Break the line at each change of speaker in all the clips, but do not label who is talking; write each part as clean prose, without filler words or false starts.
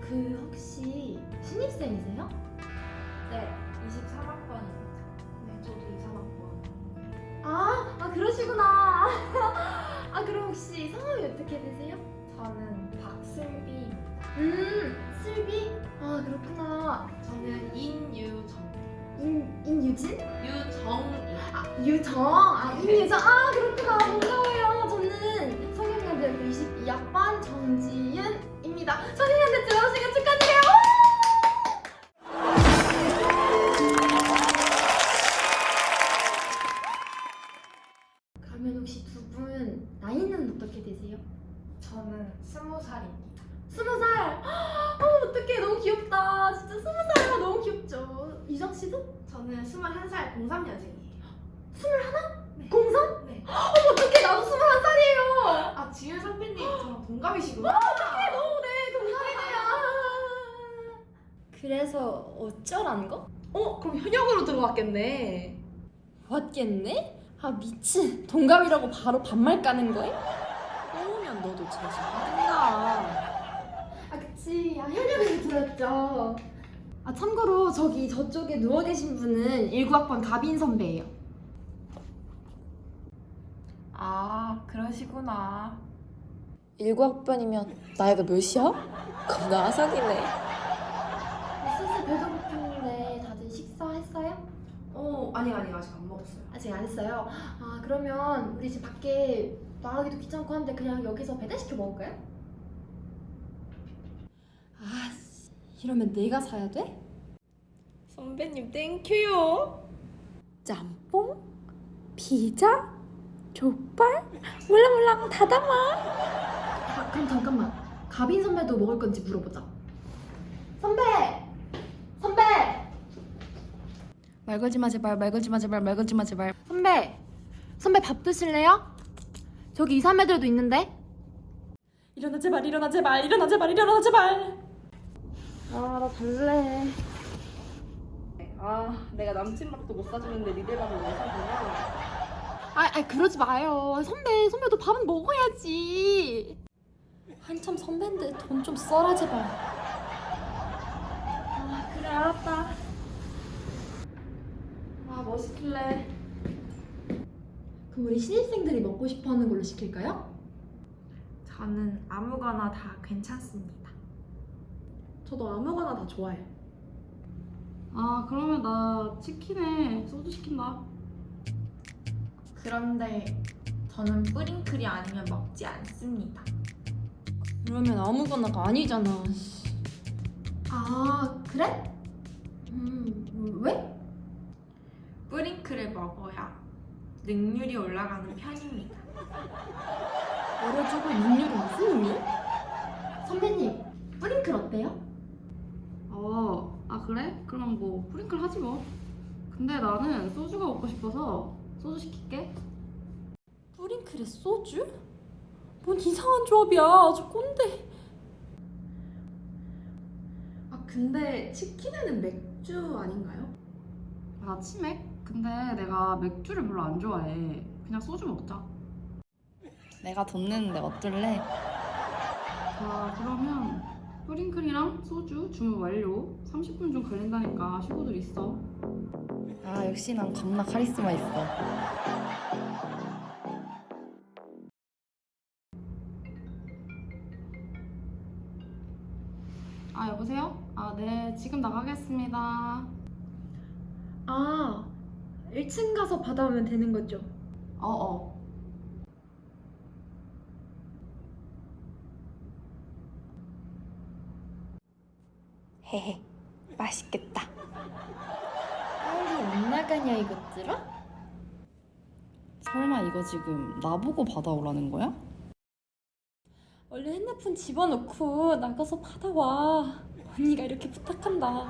그 혹시 신입생이세요?
네, 23학번입니다. 네, 저도 23학번.
그러시구나. 그럼 혹시 성함이 어떻게 되세요?
저는 박슬비입니다.
슬비? 그렇구나.
저는 인유정.
인유진?
유정이요.
유정. 인유정. 그렇구나. 반가워요. 저는 성균관대학교 22학번 정지윤입니다. 성균관대 들어오시길 축하드려요. 그러면 혹시 두 분 나이는 어떻게 되세요?
저는 20살입니다.
20살. 어떡해, 너무 귀엽다. 진짜 20살이면 너무 귀엽죠. 유정 씨도?
저는 21살 03년생이에요.
21? 03?
네.
어떡해, 나도 21살이에요.
아, 지윤 선배님 저랑 동갑이시구나.
너무 동갑이네요. 그래서 어쩌란 거?
그럼 현역으로 들어왔겠네.
왔겠네? 미친, 동갑이라고 바로 반말 까는 거야? 꼬우면 너도 제시하든가.
그치. 현역에서 들었죠. 참고로 저쪽에 누워 계신 분은 19학번 가빈 선배예요.
그러시구나.
19학번이면 나이가 몇이야? 겁나 아삭이네.
슬슬 배도 고프는데 다들 식사했어요?
아니 아직 안 먹었어요.
아직 안 했어요? 그러면 우리 집 밖에 나가기도 귀찮고 한데 그냥 여기서 배달시켜 먹을까요?
이러면 내가 사야 돼? 선배님 땡큐요. 짬뽕? 피자? 족발? 몰랑 다 담아.
그럼 잠깐만. 가빈 선배도 먹을 건지 물어보자. 선배!
말 걸지 마 제발, 말 걸지 마 제발, 말 걸지 마 제발.
선배 밥 드실래요? 저기 2, 3애들도 있는데?
일어나 제발, 일어나 제발, 일어나 제발, 일어나 제발.
나 잘래.
내가 남친 밥도 못 사주는데 니들 밥을 왜 사주냐?
그러지 마요. 선배도 밥은 먹어야지.
한참 선배인데 돈 좀 써라 제발.
그래, 알았다.
뭐 시킬래?
그럼 우리 신입생들이 먹고 싶어 하는 걸로 시킬까요?
저는 아무거나 다 괜찮습니다.
저도 아무거나 다 좋아해요.
그러면 나 치킨에 소주 시킨다.
그런데 저는 뿌링클이 아니면 먹지 않습니다.
그러면 아무거나가 아니잖아.
그래? 왜?
뿌링클을 먹어야 능률이 올라가는 편입니다.
얼어주고 능률이 무슨 의미야?
선배님, 뿌링클 어때요?
그래? 그럼 뭐 프링클 하지 뭐. 근데 나는 소주가 먹고 싶어서 소주 시킬게.
뿌링클에 소주? 뭔 이상한 조합이야. 저 꼰대.
근데 치킨에는 맥주 아닌가요?
나 치맥? 근데 내가 맥주를 별로 안 좋아해. 그냥 소주 먹자.
내가 돈 내는데 어떨래?
그러면 프링클이랑 소주 주문 완료. 30분 좀 걸린다니까 식구들 있어.
역시 난 겁나 카리스마 있어.
여보세요? 네, 지금 나가겠습니다.
1층 가서 받아오면 되는 거죠?
헤헤, 맛있겠다.
빨리 안 나가냐 이것들아?
설마 이거 지금 나보고 받아오라는 거야? 얼른 핸드폰 집어넣고 나가서 받아와. 언니가 이렇게 부탁한다.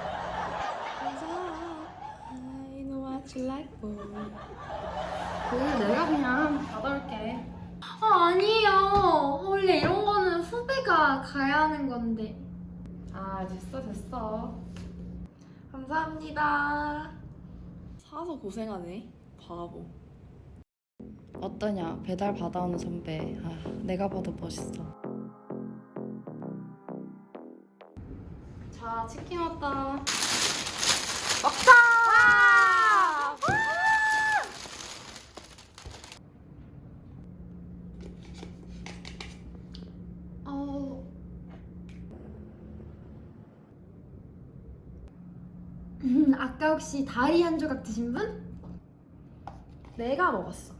I know what you like, boy. 내가 그냥 받아올게.
아니에요. 원래 이런 거는 후배가 가야 하는 건데.
됐어. 감사합니다.
사서 고생하네, 바보. 어떠냐, 배달 받아오는 선배. 내가 봐도 멋있어.
자, 치킨 왔다.
먹자!
아까 혹시 다리 한 조각 드신 분?
내가 먹었어.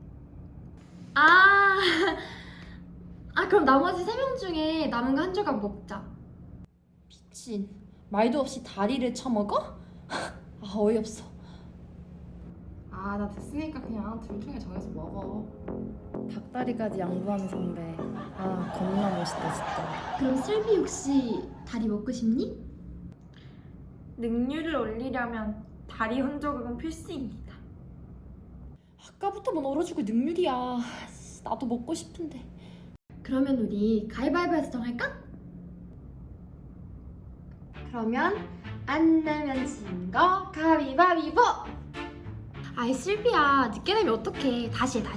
아, 그럼 나머지 3명 중에 남은 거 한 조각 먹자.
미친. 말도 없이 다리를 쳐먹어? 아, 어이없어.
아, 나 됐으니까 그냥 둘 중에 정해서 먹어.
닭다리까지 양보하는 선배. 아, 겁나 멋있다 진짜.
그럼 슬비 혹시 다리 먹고 싶니?
능률을 올리려면 다리 혼조각은 필수입니다.
아까부터 뭔 얼어죽을 능률이야. 나도 먹고 싶은데.
그러면 우리 가위바위보해서 정할까? 그러면 안 내면 진 거 가위바위보! 아이 슬비야, 늦게 내면 어떡해. 다시 해.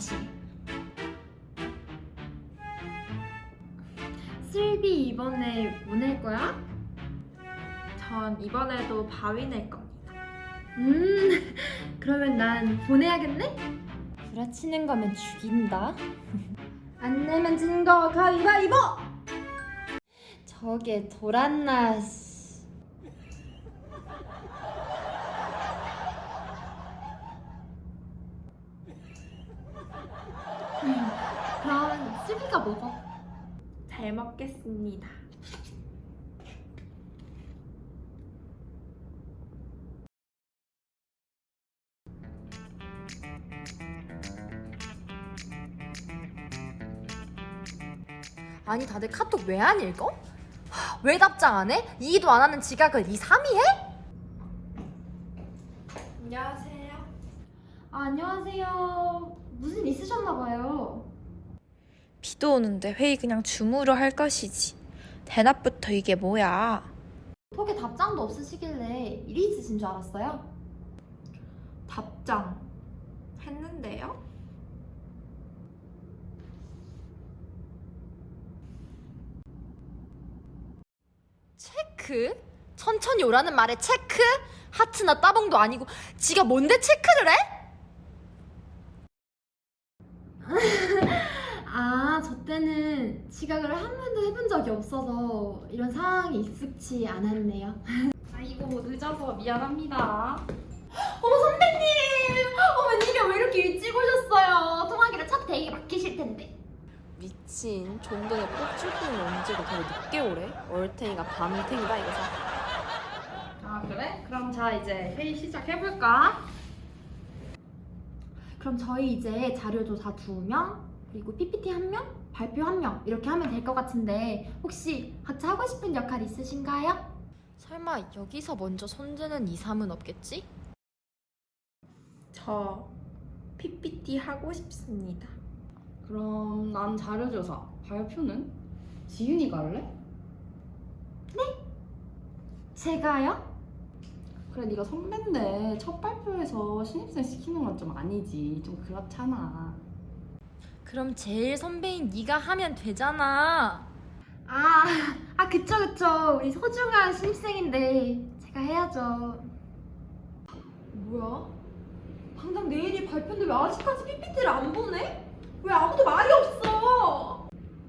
슬비 이번에 뭐 낼 거야?
전 이번에도 바위 낼 겁니다.
그러면 난 보내야겠네?
구라치는 거면 죽인다.
안 내면 진 거 가위바위보!
저게 돌았나.
그럼 슬비가 먹어.
잘 먹겠습니다.
아니 다들 카톡 왜 안 읽어? 왜 답장 안 해? 2도 안 하는 지각을 2, 3이 해?
안녕하세요.
안녕하세요. 무슨 일 있으셨나봐요.
비도 오는데 회의 그냥 줌으로 할 것이지. 대낮부터 이게 뭐야.
톡에 답장도 없으시길래 일이 있으신 줄 알았어요.
답장 했는데요?
체크? 천천히 오라는 말에 체크? 하트나 따봉도 아니고 지가 뭔데 체크를 해?
저 때는 지각을 한 번도 해본 적이 없어서 이런 상황이 익숙치 않았네요.
아이고, 늦어서 미안합니다.
어머 선배님! 웬일이야, 왜 이렇게 일찍 오셨어요? 통화기로 첫 대기 맡기실 텐데.
미친. 좀 전에 뽑줄 뿐이 언제고 되게 늦게 오래? 얼탱이가 밤탱이다 이거서.
아, 그래? 그럼 자, 이제 회의 시작해볼까?
그럼 저희 이제 자료조사 2명, 그리고 PPT 1명, 발표 1명 이렇게 하면 될 것 같은데 혹시 각자 하고 싶은 역할 있으신가요?
설마 여기서 먼저 손재는 2, 3은 없겠지?
저 PPT 하고 싶습니다.
그럼 난 자료조사. 발표는? 지윤이가 할래?
제가요?
그래, 네가 선배인데 첫 발표에서 신입생 시키는 건 좀 아니지. 좀 그렇잖아.
그럼 제일 선배인 네가 하면 되잖아.
그쵸. 우리 소중한 신입생인데 제가 해야죠. 뭐야? 당장 내일이 발표인데 왜 아직까지 PPT를 안 보내? 왜 아무도 말이 없어?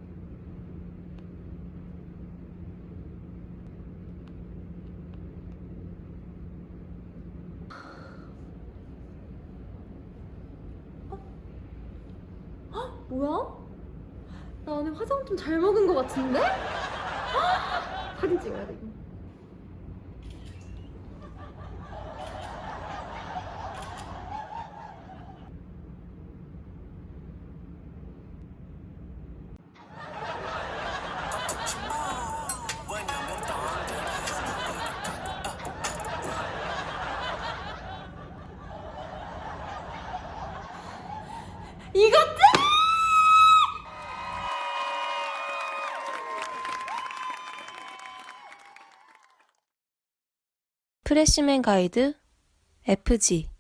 뭐야? 나 오늘 화장 좀 잘 먹은 것 같은데? 사진 찍어야 돼 이거. 이것들!
프레시맨 가이드 FG